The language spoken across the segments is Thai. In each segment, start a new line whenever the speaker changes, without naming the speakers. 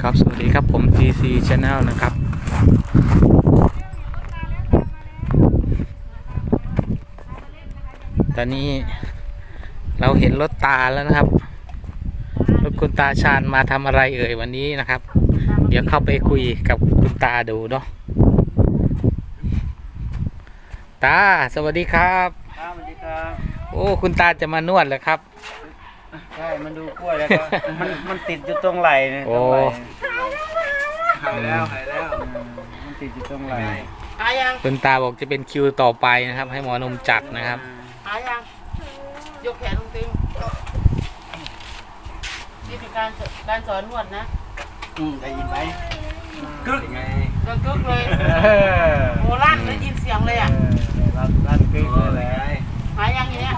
ครับสวัสดีครับผม TC Channel นะครับตอนนี้เราเห็นรถตาแล้วนะครับรถคุณตาชาญมาทำอะไรเอ่ยวันนี้นะครับเดี๋ยวเข้าไปคุยกับคุณตาดูเนาะตาสวัสดีครับ
สวัสดีครับ
โอ้คุณตาจะมานวดเหรอครับ
ใช่มันดูกล้วยแล้วก็มันติดอยู่ตรงไหล่เนี่ย
โอ้
หายแล้วมันติดอยู่ตรงไหล่
คุณตาบอกจะเป็นคิวต่อไปนะครับให้หมอนมจัดนะครับ
หายยังยกแขนลงติงนี่เป็นการสอนนวดนะ
ได้ยินไหมกึกไง
เดินกึกเลยโหลั่นได้ยินเสียงเลยอ่ะ
ลั่นกึกเลย
หายยังอย่างเนี้ย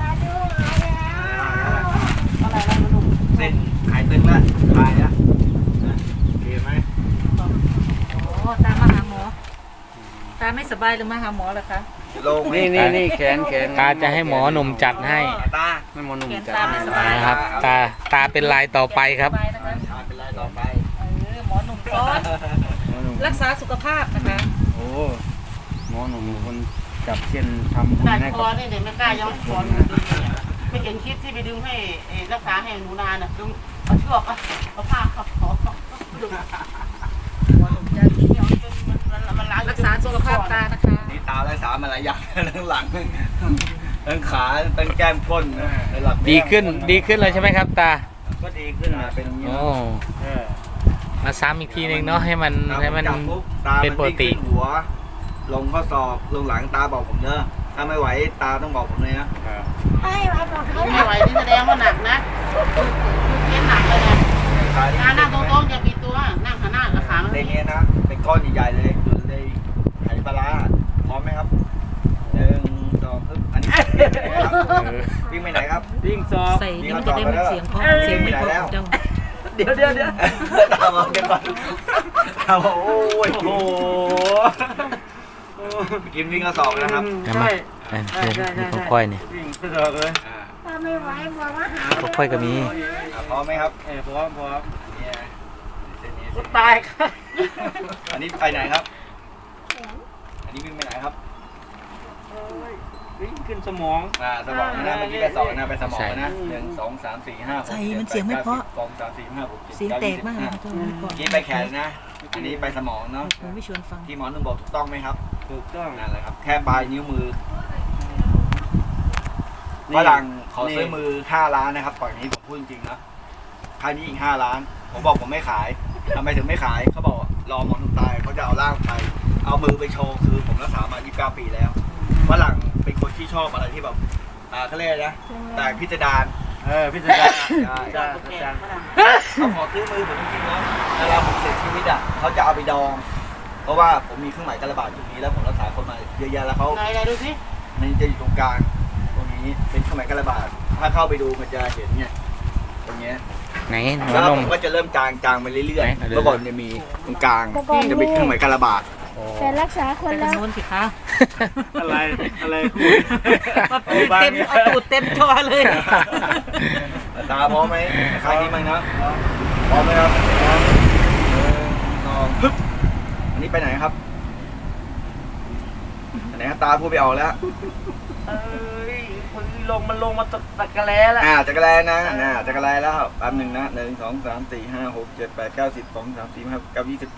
อะไรมาดู
เส้นหายตึงแล้วคลายแล้วโอเคไหม
โอ้ตามาหาหมอ ตาไม่สบายหรือมาหาหมอเหรอคะ
ลงนี่แขน
ตาจะให้หมอหนุ่มจัดให้
ตาไม่หมอหนุ่ม
แขน
จัด
ตาไม่สบาย
นะครับตาเป็นลายต่อไปครับ
สบายนะคะ
เป็นไรต่อไป
หมอหนุ่มซ้อนรักษาสุขภาพนะคะ
โอ้หมอหนุ่มคนจับเส้นทำบุญ
หนัก
ให้
ค
กั
อบ นี่เดี๋ยวไม่กล้าย้อนสอนหนูดีเนี่ยไม่เห็นคลิปที่ไปดึงให้รักษาให้หนูนาน่ะดึงเอาเชือกเอาผ้าเขาดึงมันล้าง
รักษาสุขภาพตานะคะ
นี่ตาและสามอะไรอย่างทั้งหลังทั้งขาทั้งแก้มก้นหลัง
ดีขึ้นเลยใช่ไหมครับตา
ก็ดีขึ้นนะเป็นอย่างนี้
โอ้มาซ้ำอีกทีหนึ่งเนาะให้มันเป็นปกติ
หัวลงข้อศอกลงหลังตาบอกผมเนอะถ้าไม่ไหวตาต้องบอกผมเลยนะ
ไม่ไหวนี่แสดงว่าหนักนะเล่นหนักเลยเนี่ยนั่งตรงๆอย่าปิดตัวนั่งหันหน้ากับขา
ในนี้นะเป็นก้อนใหญ่ๆเลยคือในไหปลาร้าพร้อมไหมครับ1 2อันนี้วิ่งไปไหนครับวิ่งซอ
ใส่นี่มันจะได้ไม่เสียงเพราะเสียงไม่เพราะของเจ้า
เดี๋ยวตามมาเดี๋ยวก่อนตามมาโอ้ยโอ้โหกินวิ่งกระสอบนะครับ
ใช่ค่อยๆเนี่ย
วิ่งกระสอบเลย
ค่อยๆก็มี
พร้อมไหมครับพร้อมเนี่ยเส้นนี้ตายครับอันนี้ไปไหนครับอันนี้วิ่งไปไหนครับวิ่งขึ้นสมองสมองนะเมื่อกี้ไป2นะไปสมองนะ1 2 3 4 5 6
ใส่มันเสียงไม่เพราะ
2 3 4 5 6 7
เสียงแตกมากเลยค่ะ
เมื่อกี้ไปแขนนะอันนี้ไปสมองเนาะ
ผมไม่ชวนฟัง
ที่หมอหนุ่มบอกถูกต้องไหมครับถูกต้องนั่นแหละครับแค่ปลายนิ้วมือฝรั่งขอซื้อมือ5 ล้านนะครับก่อนนี้ผมพูดจริงๆนะค่านี้อีก5 ล้านผมบอกผมไม่ขายทำไมถึงไม่ขายเขาบอกรอหมอหนุ่มตายเขาจะเอาร่างไปเอามือไปโชว์คือผมรักษามา29 ปีแล้วฝรั่งเป็นคนที่ชอบอะไรที่แบบเขาเรียกนะแต่พิจารณาพิจารณาใช่เขาขอซื้อมือผมจริงๆนะเวลาผมเสียชีวิตเขาจะเอาไปดองเพราะว่าผมมีเครื่องหมายการระบาดตรงนี้แล้วผมรักษาคนมาเยอะแยะแล้วเขา
ไหนดูสิ
มันจะอยู่ตรงกลางตรงนี้เป็นเครื่องหมายการระบาดถ้าเข้าไปดูมันจะเห็นเนี่ยตรงเนี้ย
ไหนหมอ
แล้ว
น
ผม มก็จะเริ่มจางไปเรื่อยๆเมื่อก่อนจะมีตรงกลางจะเป็นเครื่องหมายการระบาด
แต่รักษาคน
แต่
แล้ว
โน้นสิคะ
อะไร
เอาตูดเต็มจอเลย
ตาพร้อมไหมใครนี้มั้งนะพร้อมไหมครับฮึบอันนี้ไปไหนครับอันไหนตาพูดไปออกแล้ว
มันลงมาตะกะแล้แล้ว
จักรแลนะจักรแลแล้วแป๊บหนึ่งนะ1 2 3 4 5 6 7 8 9 10 2 3 4 5 9 20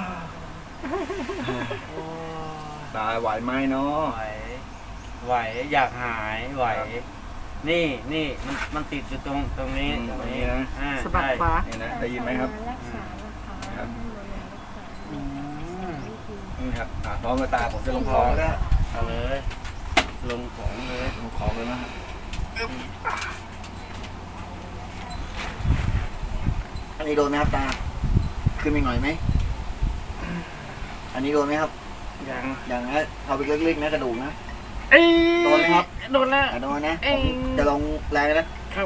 ตาไหวไหมเนาะ
ไหวอยากหายไหวนี่มันติดอยู่ตรงนี้
ตรงนี้นะ
สะบัดขวา
นี่นะได้ยินไหมครับ
รักษานะคะ
นี่ครับพร้อมกับตาผมจะลงของแล้ว
เอาเลยลงของเลย
ลงของเลยนะครับอันนี้โดนไหมครับตาขึ้นไปหน่อยไหมอันนี้โดนไหมครับอย่างนะเอาไปเล็กๆนะกระดูกนะโดนไหมครับโดนแล้วโดนนะจะลงแรงนะครับ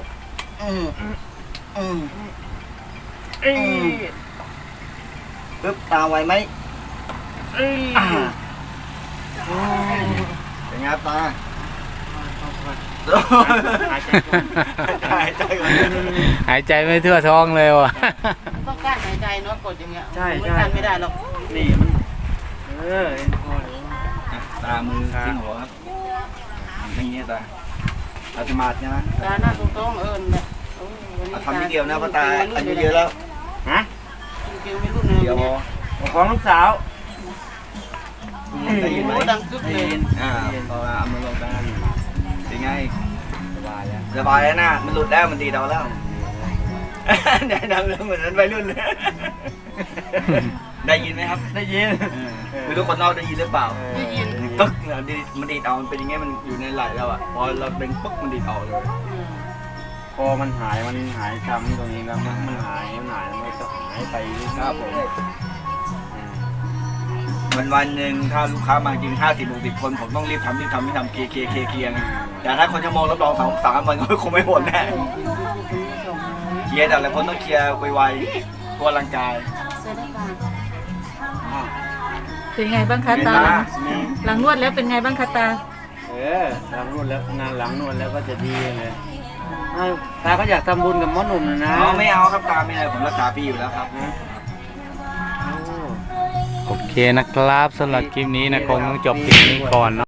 ปึ๊บตาไวไหมเป็นไงครับตา
หายใจก่อน
หายใจก่อน
หายใจไม่ทั่วท้องเลยว่ะ
ต้องการหายใจเนาะกดอย่างเงี้ย
ใช่
ไม่
ใช่
กันไม่ได้หรอก
นี่มันพอ
ตามือทิ้งหัวครับอย่างนี้ตาอาตมาใช่ไหม
ตาหน้าตรงๆเนี่ยโอ้ยวันนี้
ทำนิดเดียวนะเพราะตาอายุเยอะแล้ว
ฮะ
จริงๆไม่รู้นะ
เดี๋ยวพอ
ของลูกสาว
ได้ยินไหม
โอ้ดังกึ๊บเลย
พอเอามือลงได้เป็นไง
สบายแล้ว
สบายแล้วนะมันหลุดแล้วมันดีดเอาแล้วแนะนำเรื่องเหมือนนั้นวัยรุ่นเลยได้ยินไหมครับ
ได้ยิน
ไม่รู้คนนอกได้ยินหรือเปล่า
ได้ยิน
ปึ๊กเนี่ยมันดีดเอามันเป็นอย่างเงี้ยมันอยู่ในไหล่แล้วอ่ะพอเราเป็นปึ๊กมันดีดออกเลย
พอมันหายช้ำตรงนี้แล้วมันหายแล้วมันก็หายไป
ครับผมวันหนึ่งถ้าลูกค้ามาจริง50-60 คนผมต้องรีบทำเคลียร์ไงแต่ถ้าคนชั่วโมงรับรอง2-3 วันก็คงไม่หมดแน่เคลียร์แต่ละคนต้องเคลียร์ไวๆตัวร่างกาย
เป็นไงบ้างคะตาหลังนวดแล้วเป็นไงบ้างคะตา
หลังนวดแล้วงานหลังนวดแล้วก็จะดีเลยตาก็อยากทำบุญกับหมอหนุ่มนะ
ไม่เอาครับตาไม่อะไรผมรักษาฟรีอยู่แล้วครับ
โอเคนะครับสำหรับคลิปนี้นะคงต้องจบคลิปนี้ก่อนนะ